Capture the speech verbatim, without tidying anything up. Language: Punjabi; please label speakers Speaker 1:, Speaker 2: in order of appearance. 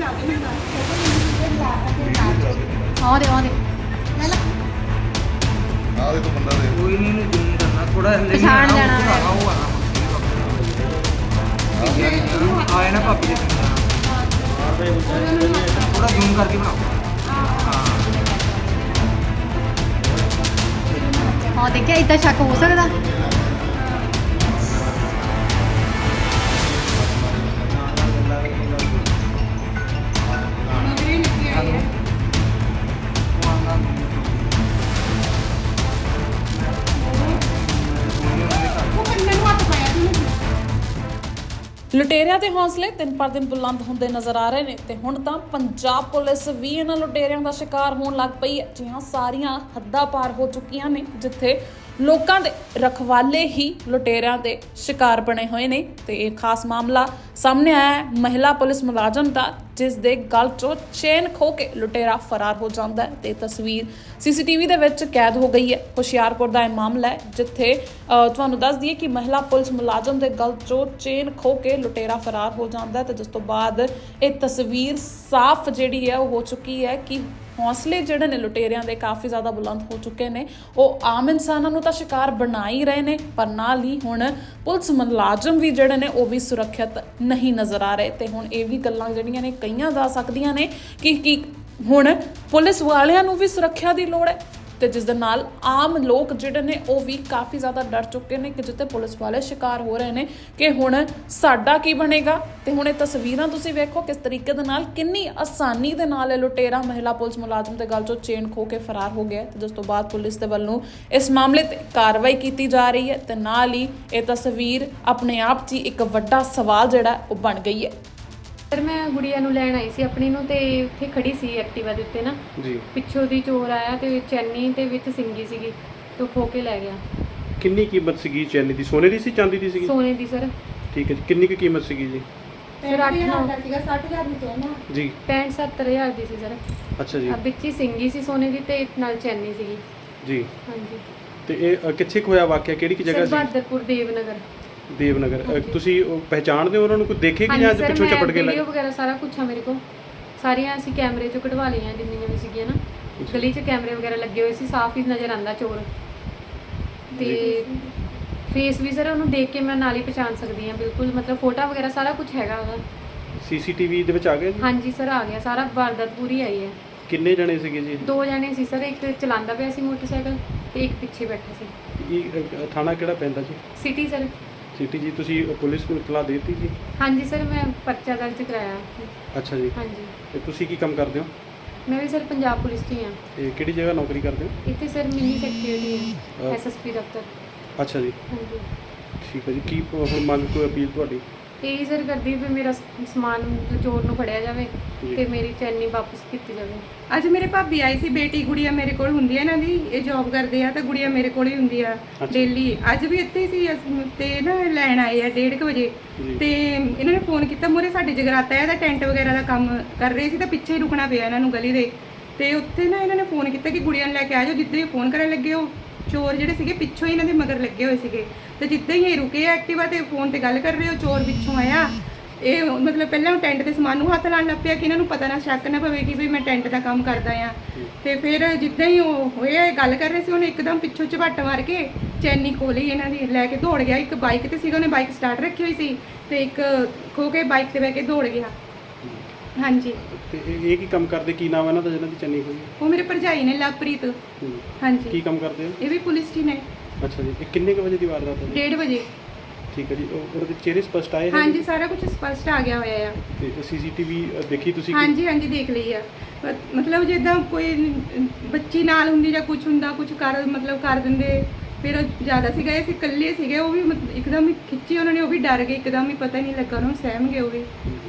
Speaker 1: ਆਹ ਦੇ ਆਹ ਦੇ
Speaker 2: ਆਹ ਦੇਖੋ ਬੰਦਾ ਦੇ
Speaker 3: ਕੋਈ ਨਹੀਂ ਨੂੰ ਜ਼ੂਮ ਕਰਨਾ ਥੋੜਾ ਹਲੇ
Speaker 1: ਪਛਾਣ ਲੈਣਾ ਹੈ।
Speaker 3: ਉਹ ਆਣਾ ਆਏ ਨਾ ਭਾਬੀ ਦੇ ਥੋੜਾ ਜ਼ੂਮ ਕਰਕੇ ਬਣਾਓ
Speaker 1: ਹਾਂ ਦੇਖਿਆ ਇਦਾਂ ਸ਼ੱਕ ਹੋ ਸਕਦਾ।
Speaker 4: ਲੁਟੇਰਿਆਂ ਦੇ ਹੌਸਲੇ ਦਿਨ ਪਰ ਦਿਨ ਬੁਲੰਦ ਹੁੰਦੇ ਨਜ਼ਰ ਆ ਰਹੇ ਨੇ ਤੇ ਹੁਣ ਤਾਂ ਪੰਜਾਬ ਪੁਲਿਸ ਵੀ ਇਹਨਾਂ ਲੁਟੇਰਿਆਂ ਦਾ ਸ਼ਿਕਾਰ ਹੋਣ ਲੱਗ ਪਈ ਹੈ। ਜੀ ਹਾਂ, ਸਾਰੀਆਂ ਹੱਦਾਂ ਪਾਰ ਹੋ ਚੁੱਕੀਆਂ ਨੇ ਜਿੱਥੇ ਲੋਕਾਂ ਦੇ ਰਖਵਾਲੇ ਹੀ ਲੁਟੇਰਿਆਂ ਦੇ ਸ਼ਿਕਾਰ ਬਣੇ ਹੋਏ ਨੇ ਤੇ ਇਹ ਖਾਸ ਮਾਮਲਾ ਸਾਹਮਣੇ ਆਇਆ ਹੈ ਮਹਿਲਾ ਪੁਲਿਸ ਮੁਲਾਜ਼ਮ ਦਾ, ਜਿਸ ਦੇ ਗਲ ਚੋਂ ਚੇਨ ਖੋ ਕੇ ਲੁਟੇਰਾ ਫਰਾਰ ਹੋ ਜਾਂਦਾ ਹੈ ਤੇ ਤਸਵੀਰ ਸੀਸੀਟੀਵੀ ਦੇ ਵਿੱਚ ਕੈਦ ਹੋ ਗਈ ਹੈ। ਹੁਸ਼ਿਆਰਪੁਰ ਦਾ ਇਹ ਮਾਮਲਾ ਹੈ ਜਿੱਥੇ ਤੁਹਾਨੂੰ ਦੱਸ ਦਈਏ ਕਿ ਮਹਿਲਾ ਪੁਲਿਸ ਮੁਲਾਜ਼ਮ ਦੇ ਗਲ ਚੋਂ ਚੇਨ ਖੋ ਕੇ ਲੁਟੇਰਾ ਫਰਾਰ ਹੋ ਜਾਂਦਾ ਹੈ ਤੇ ਜਿਸ ਤੋਂ ਬਾਅਦ ਇਹ ਤਸਵੀਰ ਸਾਫ਼ ਜਿਹੜੀ ਹੈ ਉਹ ਹੋ ਚੁੱਕੀ ਹੈ ਕਿ ਹੌਸਲੇ ਜਿਹੜੇ ਨੇ ਲੁਟੇਰਿਆਂ ਦੇ ਕਾਫੀ ਜ਼ਿਆਦਾ ਬੁਲੰਦ ਹੋ ਚੁੱਕੇ ਨੇ। ਉਹ ਆਮ ਇਨਸਾਨਾਂ ਨੂੰ ਤਾਂ ਸ਼ਿਕਾਰ ਬਣਾ ਹੀ ਰਹੇ ਨੇ, ਪਰ ਨਾਲ ਹੀ ਹੁਣ ਪੁਲਿਸ ਮੁਲਾਜ਼ਮ ਵੀ ਜਿਹੜੇ ਨੇ ਉਹ ਵੀ ਸੁਰੱਖਿਅਤ ਨਹੀਂ ਨਜ਼ਰ ਆ ਰਹੇ ਤੇ ਹੁਣ ਇਹ ਵੀ ਗੱਲਾਂ ਜਿਹੜੀਆਂ ਨੇ ਕਹੀਆਂ ਜਾ ਸਕਦੀਆਂ ਨੇ ਕਿ ਕੀ ਹੁਣ ਪੁਲਿਸ ਵਾਲਿਆਂ ਨੂੰ ਵੀ ਸੁਰੱਖਿਆ ਦੀ ਲੋੜ ਹੈ ਤੇ ਜਿਸ ਦੇ ਨਾਲ ਆਮ ਲੋਕ ਜਿਹੜੇ ਨੇ ਉਹ ਵੀ ਕਾਫੀ ਜ਼ਿਆਦਾ ਡਰ ਚੁੱਕੇ ਨੇ ਕਿ ਜਿੱਥੇ ਪੁਲਿਸ ਵਾਲੇ ਸ਼ਿਕਾਰ ਹੋ ਰਹੇ ਨੇ ਕਿ ਹੁਣ ਸਾਡਾ ਕੀ ਬਣੇਗਾ। ਤੇ ਹੁਣ ਇਹ ਤਸਵੀਰਾਂ ਤੁਸੀਂ ਵੇਖੋ ਕਿਸ ਤਰੀਕੇ ਦੇ ਨਾਲ ਕਿੰਨੀ ਆਸਾਨੀ ਦੇ ਨਾਲ ਇਹ ਲੁਟੇਰਾ ਮਹਿਲਾ ਪੁਲਿਸ ਮੁਲਾਜ਼ਮ ਦੇ ਗਲ ਚੋਂ ਚੇਨ ਖੋ ਕੇ ਫਰਾਰ ਹੋ ਗਿਆ ਤੇ ਜਿਸ ਤੋਂ ਬਾਅਦ ਪੁਲਿਸ ਦੇ ਵੱਲੋਂ ਇਸ ਮਾਮਲੇ ਤੇ ਕਾਰਵਾਈ ਕੀਤੀ ਜਾ ਰਹੀ ਹੈ ਤੇ ਨਾਲ ਹੀ ਇਹ ਤਸਵੀਰ ਆਪਣੇ ਆਪ 'ਚ ਹੀ ਇੱਕ ਵੱਡਾ ਸਵਾਲ ਜਿਹੜਾ ਉਹ ਬਣ ਗਈ ਹੈ।
Speaker 5: ਸਰ ਮੈਂ ਗੁੜੀਆ ਨੂੰ ਲੈਣ ਆਈ ਸੀ ਆਪਣੀ ਨੂੰ ਤੇ ਉੱਥੇ ਖੜੀ ਸੀ ਐਕਟਿਵਾ ਦੇ ਉੱਤੇ ਨਾ
Speaker 6: ਜੀ
Speaker 5: ਪਿੱਛੋਂ ਦੀ ਚੋਰ ਆਇਆ ਤੇ ਚੈਨੀ ਤੇ ਵਿੱਚ ਸਿੰਗੀ ਸੀਗੀ ਤੇ ਉਹ ਖੋ ਕੇ ਲੈ ਗਿਆ।
Speaker 6: ਕਿੰਨੀ ਕੀਮਤ ਸੀਗੀ ਚੈਨੀ ਦੀ? ਸੋਨੇ ਦੀ ਸੀ ਚਾਂਦੀ ਦੀ ਸੀਗੀ?
Speaker 5: ਸੋਨੇ ਦੀ ਸਰ।
Speaker 6: ਠੀਕ ਹੈ ਜੀ, ਕਿੰਨੀ ਕੁ ਕੀਮਤ ਸੀਗੀ ਜੀ?
Speaker 5: ਸਰ ਅੱਠ ਨੌ
Speaker 7: ਸੀਗਾ ਸੱਠ ਹਜ਼ਾਰ ਦੀ ਚੈਨ
Speaker 6: ਜੀ
Speaker 5: ਪੈਂਹਠ ਸੱਤਰ ਹਜ਼ਾਰ ਦੀ ਸੀ ਸਰ।
Speaker 6: ਅੱਛਾ ਜੀ।
Speaker 5: ਆ ਵਿੱਚ ਹੀ ਸਿੰਗੀ ਸੀ ਸੋਨੇ ਦੀ ਤੇ ਨਾਲ ਚੈਨੀ ਸੀਗੀ।
Speaker 6: ਜੀ
Speaker 5: ਹਾਂਜੀ।
Speaker 6: ਤੇ ਇਹ ਅ, ਕਿੱਥੇ ਕੁ ਹੋਇਆ ਵਾਕਿਆ, ਕਿਹੜੀ ਕਿ ਜਗ੍ਹਾ
Speaker 5: ਸਰ
Speaker 6: ਸੀ?
Speaker 5: ਬਹਾਦਰਪੁਰ ਦੇਵਨਗਰ।
Speaker 6: ਦੇਵਨਗਰ। ਅ, ਤੁਸੀਂ ਉਹ ਪਹਿਚਾਣਦੇ ਹੋ ਉਹਨਾਂ ਨੂੰ? ਕੋਈ ਦੇਖੇ ਕਿ ਜਾਂ
Speaker 5: ਹਾਂਜੀ ਸਰ,
Speaker 6: ਪਿੱਛੋਂ
Speaker 5: ਮੈਂ
Speaker 6: ਚਪਟ ਕੇ
Speaker 5: ਵੀਡੀਓ
Speaker 6: ਲੱਗ?
Speaker 5: ਵਗੈਰਾ ਸਾਰਾ ਕੁਝ ਆ ਮੇਰੇ ਕੋਲ, ਸਾਰੀਆਂ ਅਸੀਂ ਕੈਮਰੇ ਚੋਂ ਕਢਵਾ ਲਈਆਂ ਜਿੰਨੀਆਂ ਵੀ ਸੀਗੀਆਂ ਨਾ। ਗਲੀ 'ਚ ਕੈਮਰੇ ਵਗੈਰਾ ਲੱਗੇ ਹੋਏ ਸੀ, ਸਾਫ਼ ਹੀ ਨਜ਼ਰ ਆਉਂਦਾ ਚੋਰ ਤੇ ਫੇਸ ਵੀ ਸਰ ਉਹਨੂੰ ਦੇਖ ਕੇ ਮੈਂ ਨਾਲ ਹੀ ਪਛਾਣ ਸਕਦੀ ਹਾਂ ਬਿਲਕੁਲ, ਮਤਲਬ ਫੋਟੋ ਵਗੈਰਾ ਸਾਰਾ ਕੁਝ ਹੈਗਾ ਉਹਦਾ।
Speaker 6: ਸੀਸੀਟੀਵੀ ਦੇ ਵਿੱਚ ਆ ਗਿਆ ਜੀ?
Speaker 5: ਹਾਂਜੀ ਸਰ ਆ ਗਿਆ ਸਾਰਾ, ਵਾਰਦਾਤ ਪੂਰੀ ਆਈ ਹੈ।
Speaker 6: ਕਿੰਨੇ ਜਣੇ ਸੀਗੇ ਜੀ?
Speaker 5: ਦੋ ਜਣੇ ਸੀ ਸਰ, ਇੱਕ ਚਲਾਉਂਦਾ ਪਿਆ ਸੀ ਮੋਟਰਸਾਈਕਲ ਤੇ ਇੱਕ ਪਿੱਛੇ ਬੈਠਾ ਸੀ।
Speaker 6: ਇਹ ਅ, ਥਾਣਾ ਕਿਹੜਾ ਪੈਂਦਾ ਜੀ?
Speaker 5: City sir.
Speaker 6: ਸਿਟੀ ਜੀ। ਤੁਸੀਂ ਪੁਲਿਸ ਨੂੰ ਇਤਲਾਹ ਦੇ ਦਿੱਤੀ ਜੀ?
Speaker 5: ਹਾਂਜੀ ਸਰ, ਮੈਂ ਪਰਚਾ ਦਰਜ ਕਰਾਇਆ।
Speaker 6: ਅੱਛਾ ਜੀ।
Speaker 5: ਹਾਂਜੀ।
Speaker 6: ਤੇ ਤੁਸੀਂ ਕੀ ਕੰਮ ਕਰਦੇ ਹੋ?
Speaker 5: ਮੈਂ ਵੀ ਸਰ ਪੰਜਾਬ ਪੁਲਿਸ 'ਚ ਹੀ ਹਾਂ।
Speaker 6: ਤੇ ਕਿਹੜੀ ਜਗ੍ਹਾ ਨੌਕਰੀ ਕਰਦੇ ਹੋ?
Speaker 5: ਇੱਥੇ ਸਰ ਮਿੰਨੀ ਸੈਕਟਰੀ
Speaker 6: ਅਹ
Speaker 5: ਹੈ, ਐਸਐਸਪੀ ਦਫ਼ਤਰ।
Speaker 6: ਅੱਛਾ ਜੀ,
Speaker 5: ਹਾਂਜੀ।
Speaker 6: ਠੀਕ ਹੈ ਜੀ। ਕੀ ਹੁਣ ਮੰਗ ਕੋਈ ਅਪੀਲ ਤੁਹਾਡੀ?
Speaker 5: ਇਹੀ ਸਰ ਕਰਦੀ ਵੀ ਮੇਰਾ ਸ- ਸਮਾਨ ਚੋਰ ਨੂੰ ਫੜਿਆ ਜਾਵੇ
Speaker 6: ਜੀ।
Speaker 5: ਤੇ ਮੇਰੀ ਚੈਨੀ ਵਾਪਸ ਕੀਤੀ ਜਾਵੇ।
Speaker 7: ਅੱਜ ਮੇਰੇ ਭਾਬੀ ਆਈ ਸੀ, ਬੇਟੀ ਗੁੜੀਆ ਮੇਰੇ ਕੋਲ ਹੁੰਦੀ ਹੈ ਇਹਨਾਂ ਦੀ, ਇਹ ਜੌਬ ਕਰਦੇ ਆ ਤਾਂ ਗੁੜੀਆ ਮੇਰੇ ਕੋਲ ਹੀ ਹੁੰਦੀ ਆ ਡੇਲੀ। ਅੱਜ ਵੀ ਇੱਥੇ ਹੀ ਸੀ ਅਸ- ਤੇ ਨਾ ਲੈਣ ਆਏ ਆ ਡੇਢ ਕੁ ਵਜੇ
Speaker 6: ਜੀ।
Speaker 7: ਤੇ ਇਹਨਾਂ ਨੇ ਫੋਨ ਕੀਤਾ, ਮੂਹਰੇ ਸਾਡੇ ਜਗਰਾਤਾ ਹੈ ਦਾ ਟੈਂਟ ਵਗੈਰਾ ਦਾ ਕੰਮ ਕਰ ਰਹੇ ਸੀ ਤਾਂ ਪਿੱਛੇ ਹੀ ਰੁਕਣਾ ਪਿਆ ਇਹਨਾਂ ਨੂੰ ਗਲੀ ਦੇ। ਤੇ ਉੱਥੇ ਨਾ ਇਹਨਾਂ ਨੇ ਫੋਨ ਕੀਤਾ ਕਿ ਗੁੜੀਆ ਨੂੰ ਲੈ ਕੇ ਆ ਜਾਓ। ਜਿੱਦਾਂ ਹੀ ਫੋਨ ਕਰਨ ਲੱਗੇ ਉਹ ਚੋਰ ਜਿਹੜੇ ਸੀਗੇ ਪਿੱਛੋਂ ਹੀ ਇਹਨਾਂ ਦੇ ਮਗਰ ਲੱਗੇ ਹੋਏ ਸੀਗੇ ਤੇ ਜਿੱਦਾਂ ਹੀ ਇਹ ਰੁਕੇ ਐਕਟਿਵਾ ਤੇ ਫੋਨ ਤੇ ਗੱਲ ਕਰ ਰਹੇ, ਉਹ ਚੋਰ ਪਿੱਛੋਂ ਆਇਆ। ਇਹ ਮਤਲਬ ਪਹਿਲਾਂ ਉਹ ਟੈਂਟ ਦੇ ਸਮਾਨ ਨੂੰ ਹੱਥ ਲਾਉਣ ਲੱਗ ਪਿਆ ਕਿ ਇਹਨਾਂ ਨੂੰ ਪਤਾ ਨਾ ਸ਼ੱਕ ਨਾ ਪਵੇ ਕਿ ਵੀ ਮੈਂ ਟੈਂਟ ਦਾ ਕੰਮ ਕਰਦਾ ਆ। ਤੇ ਫਿਰ ਜਿੱਦਾਂ ਹੀ ਉਹ ਹੋਇਆ ਇਹ ਗੱਲ ਕਰ ਰਹੇ ਸੀ, ਉਹਨੇ ਇੱਕਦਮ ਪਿੱਛੋਂ ਝਪੱਟ ਮਾਰ ਕੇ ਚੈਨੀ ਖੋਲੀ ਇਹਨਾਂ ਦੀ, ਲੈ ਕੇ ਦੌੜ ਗਿਆ। ਇੱਕ ਬਾਈਕ ਤੇ ਸੀਗਾ, ਉਹਨੇ ਬਾਈਕ ਸਟਾਰਟ ਰੱਖੀ ਹੋਈ ਸੀ ਤੇ ਇੱਕ ਖੋ ਕੇ ਬਾਈਕ ਤੇ ਬਹਿ ਕੇ ਦੌੜ ਗਿਆ। ਹਾਂਜੀ।
Speaker 6: ਤੇ ਇਹ ਇਹ ਕੀ ਕੰਮ ਕਰਦੇ? ਕੀ ਨਾਮ ਹੈ ਇਹਨਾਂ ਦਾ ਜਿਹਨਾਂ ਦੀ ਚੰਨੀ ਹੋਈ?
Speaker 7: ਉਹ ਮੇਰੇ ਭਰਜਾਈ ਨੇ ਲਵਪ੍ਰੀਤ।
Speaker 6: ਹੂੰ।
Speaker 7: ਹਾਂਜੀ।
Speaker 6: ਕੀ ਕੰਮ ਕਰਦੇ ਹੋ?
Speaker 7: ਇਹ ਵੀ ਪੁਲਿਸ 'ਚ ਹੀ ਨੇ।
Speaker 6: ਅੱਛਾ ਜੀ। ਇਹ ਕਿੰਨੇ ਕੁ ਵਜੇ ਦੀ ਵਾਰਦਾਤ ਹੈ?
Speaker 7: ਡੇਢ ਵਜੇ।
Speaker 6: ਠੀਕ ਹੈ ਜੀ। ਉਹ ਉਹਦੇ ਚਿਹਰੇ ਸਪਸ਼ਟ ਆਏ?
Speaker 7: ਹਾਂਜੀ, ਸਾਰਾ ਕੁਝ ਸਪਸ਼ਟ ਆ ਗਿਆ ਹੋਇਆ ਆ।
Speaker 6: ਤੇ ਸੀਸੀਟੀਵੀ ਦੇਖੀ ਤੁਸੀਂ?
Speaker 7: ਹਾਂਜੀ ਹਾਂਜੀ ਦੇਖ ਲਈ ਆ। ਮ- ਮਤਲਬ ਜਿੱਦਾਂ ਕੋਈ ਬੱਚੀ ਨਾਲ ਹੁੰਦੀ ਜਾਂ ਕੁਝ ਹੁੰਦਾ, ਕੁਝ ਕਰ ਮਤਲਬ ਕਰ ਦਿੰਦੇ। ਫਿਰ ਉਹ ਜ਼ਿਆਦਾ ਸੀਗਾ, ਇਹ ਸੀ ਇਕੱਲੇ ਸੀਗੇ, ਉਹ ਵੀ ਮਤ- ਇੱਕਦਮ ਹੀ ਖਿੱਚੀ ਉਹਨਾਂ ਨੇ, ਉਹ ਵੀ ਡਰ ਗਏ ਇੱਕਦਮ ਹੀ, ਪਤਾ ਹੀ ਨਹੀਂ ਲੱਗਾ ਉਹਨਾਂ ਨੂੰ, ਸਹਿਮ ਗਏ ਉਹ ਵੀ।